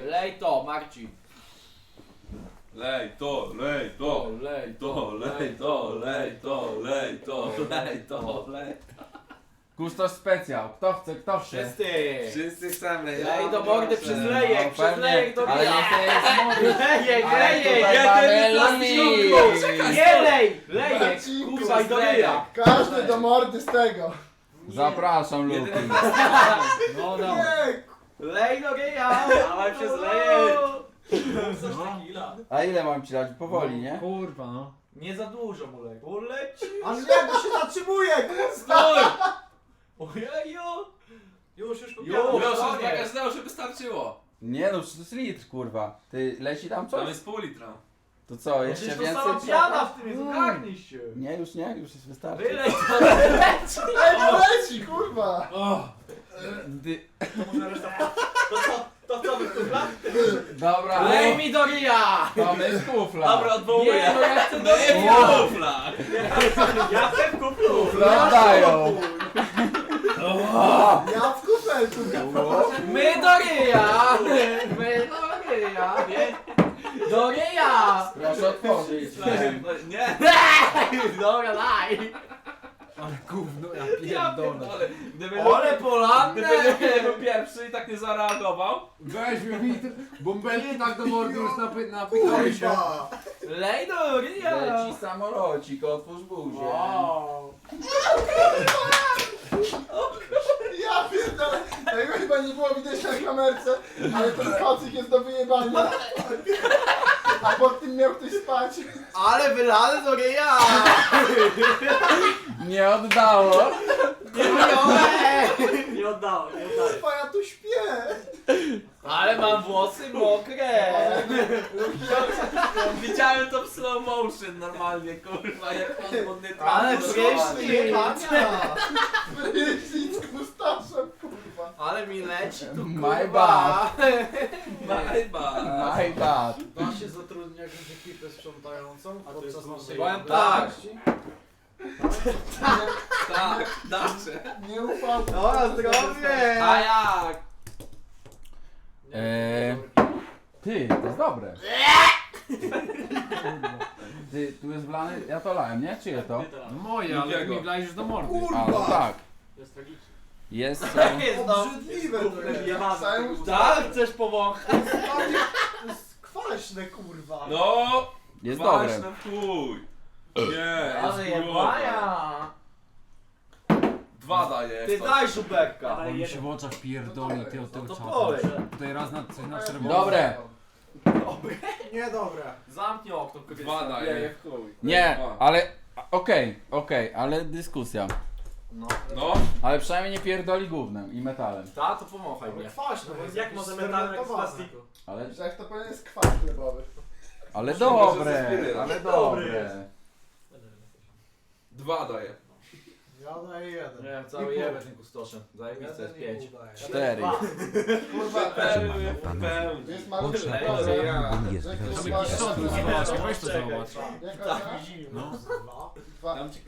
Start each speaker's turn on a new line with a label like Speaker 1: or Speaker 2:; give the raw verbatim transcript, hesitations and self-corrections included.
Speaker 1: Lej to, Marcin.
Speaker 2: Lej to, lej to,
Speaker 1: lej
Speaker 2: to, lej to, lej to, lej to, lej to, lej.
Speaker 3: Kustosz specjal. Kto chce, kto chce?
Speaker 1: Wszyscy.
Speaker 2: Wszyscy chcemy lej.
Speaker 1: Lej do mordy przez lejek,
Speaker 3: No,
Speaker 1: przez
Speaker 3: pewnie,
Speaker 1: lejek do
Speaker 3: ale nie chcę jest mówić.
Speaker 1: Lejek,
Speaker 3: Ale
Speaker 1: lejek.
Speaker 3: tutaj
Speaker 2: ja
Speaker 3: mamy
Speaker 2: ten
Speaker 3: limit.
Speaker 1: Nie lej, lejek,
Speaker 4: Marcinku,
Speaker 1: kurwa i do
Speaker 2: lejek.
Speaker 1: ryja.
Speaker 4: Każdy do mordy z tego.
Speaker 3: Zapraszam, Luki.
Speaker 1: No, no.
Speaker 4: Nie,
Speaker 1: Lej do ryja. Dawaj przez lejek.
Speaker 3: A ile mam ci dać? Powoli, nie?
Speaker 5: Kurwa no.
Speaker 1: Nie za dużo mu lej. Poleci.
Speaker 4: aż jak się zatrzymuje, kurwa.
Speaker 1: Ojeju.
Speaker 6: Już, już
Speaker 1: Już,
Speaker 2: Już, już
Speaker 1: koniec.
Speaker 2: dla każdego, żeby starczyło.
Speaker 3: Nie no, to jest litr, kurwa. Ty leci tam
Speaker 2: Tam
Speaker 3: coś?
Speaker 2: jest pół litra.
Speaker 3: To co, jeszcze
Speaker 1: Przecież to
Speaker 3: więcej
Speaker 1: sama
Speaker 3: trzeba?
Speaker 1: piana w tym jest, ogarnij się.
Speaker 3: Nie, już nie, już jest wystarczy.
Speaker 1: Wylej to.
Speaker 4: Ej, no leci, kurwa.
Speaker 3: Ty...
Speaker 6: To co? To co wy kurwa?
Speaker 3: Dobra.
Speaker 1: Lej mi do ryja.
Speaker 3: To jest kufla.
Speaker 2: Dobra, odwołuję.
Speaker 1: Nie, no ja chcę do
Speaker 2: No nie
Speaker 1: ryja.
Speaker 2: kufla.
Speaker 6: Ja chcę w kuplu!
Speaker 3: Kufla dają.
Speaker 4: Ja w kufelku.
Speaker 1: My do ryja. My do ryja. Do ryja.
Speaker 3: Proszę otworzyć.
Speaker 2: Nie.
Speaker 1: Dobra, daj.
Speaker 5: Ale gówno, ja
Speaker 2: Ja
Speaker 5: pierdolę.
Speaker 2: pierdolę. Gdyby
Speaker 1: Ole
Speaker 2: Luki-
Speaker 1: polanne.
Speaker 2: Gdyby Luki nie był pierwszy i tak nie zareagował.
Speaker 5: Weźmy mi bąbelki tak do mordy już napy napychały się.
Speaker 4: Kurwa.
Speaker 1: Lej do ryja.
Speaker 3: Leci samolocik, otwórz buzię.
Speaker 1: Wow.
Speaker 4: Ja pierdolę. Tego chyba nie było widać na kamerce, ale ten kocyk jest do wyjebania. A pod tym miał ktoś spać.
Speaker 1: Ale wylane do ryja.
Speaker 3: Nie oddało.
Speaker 6: Nie oddało, nie oddało.
Speaker 4: Kurwa, ja tu śpię.
Speaker 1: Ale mam włosy mokre.
Speaker 2: Widziałem to w slow motion normalnie, kurwa, jak pan modny
Speaker 1: Ale
Speaker 2: trans-
Speaker 1: prysznic.
Speaker 4: Jebania. Prysznic z kustaszem, kurwa.
Speaker 1: Ale mi leci tu
Speaker 3: My
Speaker 1: kurwa.
Speaker 3: bad.
Speaker 2: My bad.
Speaker 3: My bad.
Speaker 7: Da się zatrudnić jakąś ekipę sprzątającą podczas naszej
Speaker 1: Powiem tak.
Speaker 2: Tak, dacze.
Speaker 4: Nie ufam.
Speaker 1: Dobra, zdrowie.
Speaker 2: A jak?
Speaker 3: Eee, ty, to jest dobre. Ty, tu jest wlany, ja to lałem, nie? Czyje to?
Speaker 5: No moje, ale ty
Speaker 2: Drugiego.
Speaker 5: mi wlajesz do mordy.
Speaker 3: A, no tak.
Speaker 6: To jest tragiczne.
Speaker 3: Jest... E,
Speaker 1: Jest no.
Speaker 4: Obrzydliwe to jest. Cały
Speaker 1: Tak, chcesz powąchać?
Speaker 4: To jest kwaśne, kurwa.
Speaker 2: No!
Speaker 3: jest
Speaker 2: Kwaśne
Speaker 3: dobre.
Speaker 2: w chuj. Nie,
Speaker 1: Ale
Speaker 2: jest kurwa.
Speaker 1: jebania.
Speaker 2: Dwa daje.
Speaker 1: Ty daj żuberka.
Speaker 5: On mi się w oczach pierdoli, ty od tego
Speaker 1: To
Speaker 5: czatu.
Speaker 1: polej.
Speaker 5: Tutaj raz na, coś na czerwono.
Speaker 3: Dobre.
Speaker 4: Niedobre.
Speaker 1: Zamknij okno,
Speaker 2: Dwa daje.
Speaker 1: w chuj.
Speaker 3: Nie, ale... Okej, okej, ale dyskusja.
Speaker 1: No.
Speaker 2: No.
Speaker 3: Ale przynajmniej nie pierdoli gównem i metalem.
Speaker 1: Ta, to pomachaj mnie.
Speaker 4: Kwaśne, bo jest
Speaker 6: Jak może metalek z plastiku?
Speaker 3: Ale...
Speaker 4: Że jak to powiem jest kwas chlebowy.
Speaker 3: Ale
Speaker 2: Może ze
Speaker 3: dobre,
Speaker 2: spirytem.
Speaker 3: ale
Speaker 6: Dobry
Speaker 3: dobre.
Speaker 2: Dwa daje.
Speaker 7: Ja daję jeden.
Speaker 1: Nie wiem, cały jebę tym kustoszem. Zajebiste jest
Speaker 7: Jeden i
Speaker 1: pięć.
Speaker 7: pół daję.
Speaker 3: Cztery.
Speaker 4: Kurwa,
Speaker 2: Pełny, pełny.
Speaker 4: jest malutki
Speaker 1: Lej,
Speaker 4: problem,
Speaker 1: lej,
Speaker 4: że
Speaker 5: Tam
Speaker 4: ktoś
Speaker 5: jakiś
Speaker 4: ma...
Speaker 5: sąd zobacz, weź to zobacz.
Speaker 4: Jaka cena?
Speaker 5: No.
Speaker 4: Dwa.
Speaker 2: Tam ci